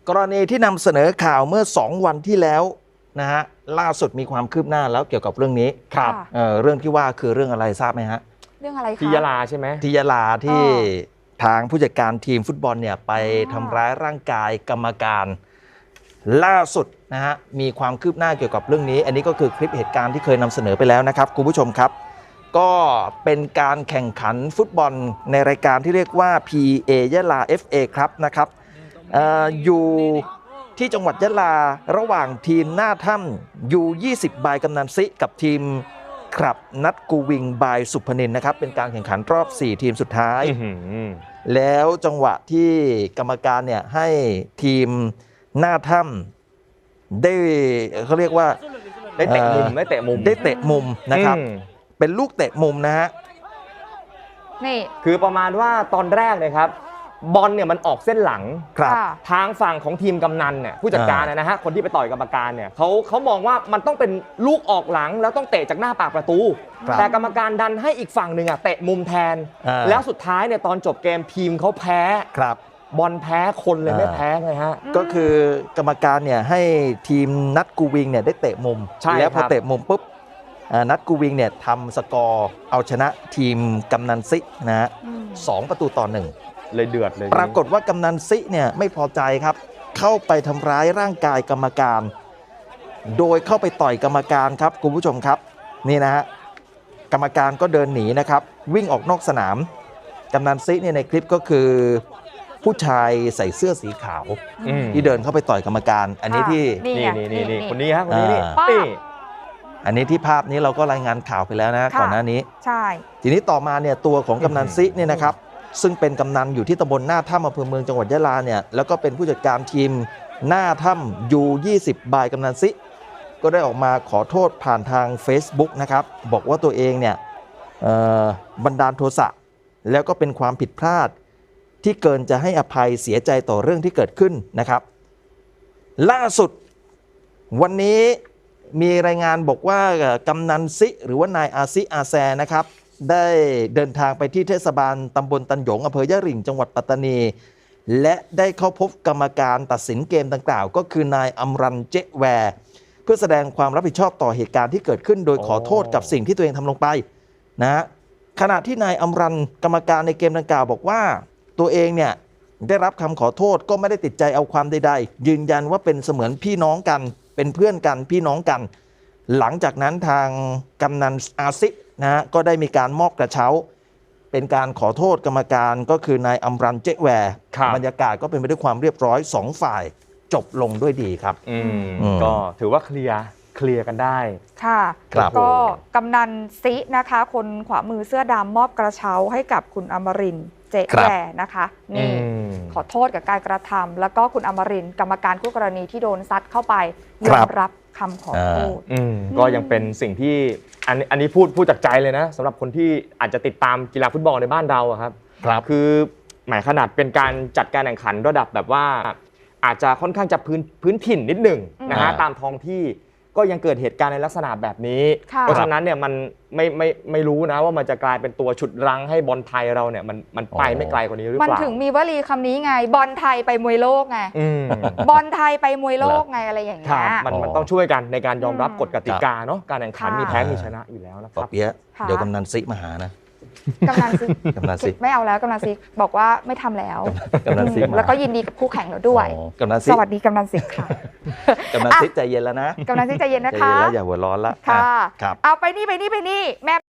กรณีที่นำเสนอข่าวเมื่อ2วันที่แล้วนะฮะล่าสุดมีความคืบหน้าแล้วเกี่ยวกับเรื่องนี้ครับเรื่องที่ว่าคือเรื่องอะไรทราบไหมฮะเรื่องอะไรคะที่ยะลาใช่ไหมที่ยะลาที่ทางผู้จัดการทีมฟุตบอลเนี่ยไปทำร้ายร่างกายกรรมการล่าสุดนะฮะมีความคืบหน้าเกี่ยวกับเรื่องนี้อันนี้ก็คือคลิปเหตุการณ์ที่เคยนำเสนอไปแล้วนะครับคุณผู้ชมครับก็เป็นการแข่งขันฟุตบอลในรายการที่เรียกว่า PA ยะลา FA ครับนะครับอยู่ที่จังหวัดยะลาระหว่างทีมหน้าถ้ำยู20บายกำนันซิกับทีมครับนัดกูวิงบายสุพนินนะครับเป็นการแข่งขันรอบ4ทีมสุดท้ายแล้วจังหวะที่กรรมการเนี่ยให้ทีมหน้าถ้ำได้เขาเรียกว่าได้เตะมุมได้เตะมุมนะครับเป็นลูกเตะมุมนะฮะนี่คือประมาณว่าตอนแรกเลยครับบอลเนี่ยมันออกเส้นหลังครับทางฝั่งของทีมกำนันเนี่ยผู้จัดการนะฮะคนที่ไปต่อยกรรมการเนี่ยเขามองว่ามันต้องเป็นลูกออกหลังแล้วต้องเตะจากหน้าปากประตูแต่กรรมการดันให้อีกฝั่งหนึ่งเตะมุมแทนแล้วสุดท้ายเนี่ยตอนจบเกมทีมเขาแพ้ครับบอลแพ้คนเลยไม่แพ้ไงฮะก็คือกรรมการเนี่ยให้ทีมนัดกูวิงเนี่ยได้เตะมุมแล้วพอเตะมุมปุ๊บนัดกูวิงเนี่ยทำสกอร์เอาชนะทีมกำนันซินะฮะ2-1 เลยเดือดเลยปรากฏว่ากำนันซิเนี่ยไม่พอใจครับเข้าไปทำร้ายร่างกายกรรมการโดยเข้าไปต่อยกรรมการครับคุณผู้ชมครับนี่นะฮะกรรมการก็เดินหนีนะครับวิ่งออกนอกสนามกำนันซิเนี่ยในคลิปก็คือผู้ชายใส่เสื้อสีขาวที่เดินเข้าไปต่อยกรรมการอันนี้ที่นี่คนนี้ฮะคนนี้นี่อันนี้ที่ภาพนี้เราก็รายงานข่าวไปแล้วนะก่อนหน้านี้ใช่ทีนี้ต่อมาเนี่ยตัวของกำนันซิเนี่ยนะครับซึ่งเป็นกำนันอยู่ที่ตำบลหน้าถ้ำอำเภอเมืองจังหวัดยะลาเนี่ยแล้วก็เป็นผู้จัดการทีมหน้าถ้ำยู20บายกำนันซิก็ได้ออกมาขอโทษผ่านทาง Facebook นะครับบอกว่าตัวเองเนี่ยบันดาลโทสะแล้วก็เป็นความผิดพลาดที่เกินจะให้อภัยเสียใจต่อเรื่องที่เกิดขึ้นนะครับล่าสุดวันนี้มีรายงานบอกว่ากำนันซิหรือว่านายอาซิอาแซนะครับได้เดินทางไปที่เทศบาลตำบลตันหยงอำเภอยะหริ่งจังหวัดปัตตานีและได้เข้าพบกรรมการตัดสินเกมดังกล่าวก็คือนายอัมรันเจแวร์เพื่อแสดงความรับผิดชอบต่อเหตุการณ์ที่เกิดขึ้นโดยขอโทษกับสิ่งที่ตัวเองทำลงไปนะขณะที่นายอัมรันกรรมการในเกมดังกล่าวบอกว่าตัวเองเนี่ยได้รับคำขอโทษก็ไม่ได้ติดใจเอาความใดๆยืนยันว่าเป็นเสมือนพี่น้องกันเป็นเพื่อนกันพี่น้องกันหลังจากนั้นทางกำนันอาซินะฮะก็ได้มีการมอบกระเช้าเป็นการขอโทษกรรมการก็คือนายอัมรันเจแวร์บรรยากาศก็เป็นไปด้วยความเรียบร้อย2ฝ่ายจบลงด้วยดีครับก็ถือว่าเคลียร์กันได้ค่ะก็กำนันซินะคะคนขวามือเสื้อดำมอบกระเช้าให้กับคุณอมรินทร์เจแวร์นะคะนี่ขอโทษกับการกระทำแล้วก็คุณอมรินทร์กรรมการคู่กรณีที่โดนซัดเข้าไปยอมรับคำขอโทษก็ยังเป็นสิ่งที่อันนี้พูดจากใจเลยนะสำหรับคนที่อาจจะติดตามกีฬาฟุตบอลในบ้านเราครับคือหมายขนาดเป็นการจัดการแข่งขันระดับแบบว่าอาจจะค่อนข้างจะพื้นถิ่นนิดหนึ่งนะฮะตามท้องที่ก็ยังเกิดเหตุการณ์ในลักษณะแบบนี้เพราะฉะนั้นเนี่ยมันไม่รู้นะว่ามันจะกลายเป็นตัวฉุดรั้งให้บอลไทยเราเนี่ยมันไปไม่ไกลกว่านี้หรือเปล่ามันถึงมีวลีคำนี้ไงบอลไทยไปมวยโลกไงบอลไทยไปมวยโลกไงอะไรอย่างเงี้ยมันต้องช่วยกันในการยอมรับกฎกติกาเนาะการแข่งขันมีแพ้มีชนะอยู่แล้วนะครับเดี๋ยวกำนันซิมาหานะกำนันซิไม่เอาแล้วกำนันซิบอกว่าไม่ทำแล้วแล้วก็ยินดีกับคู่แข่งแล้วด้วยสวัสดีกำนันซิค่ะกำนันซิใจเย็นแล้วนะกำนันซิใจเย็นนะคะแล้วอย่าหัวร้อนละค่ะเอาไปนี่แม่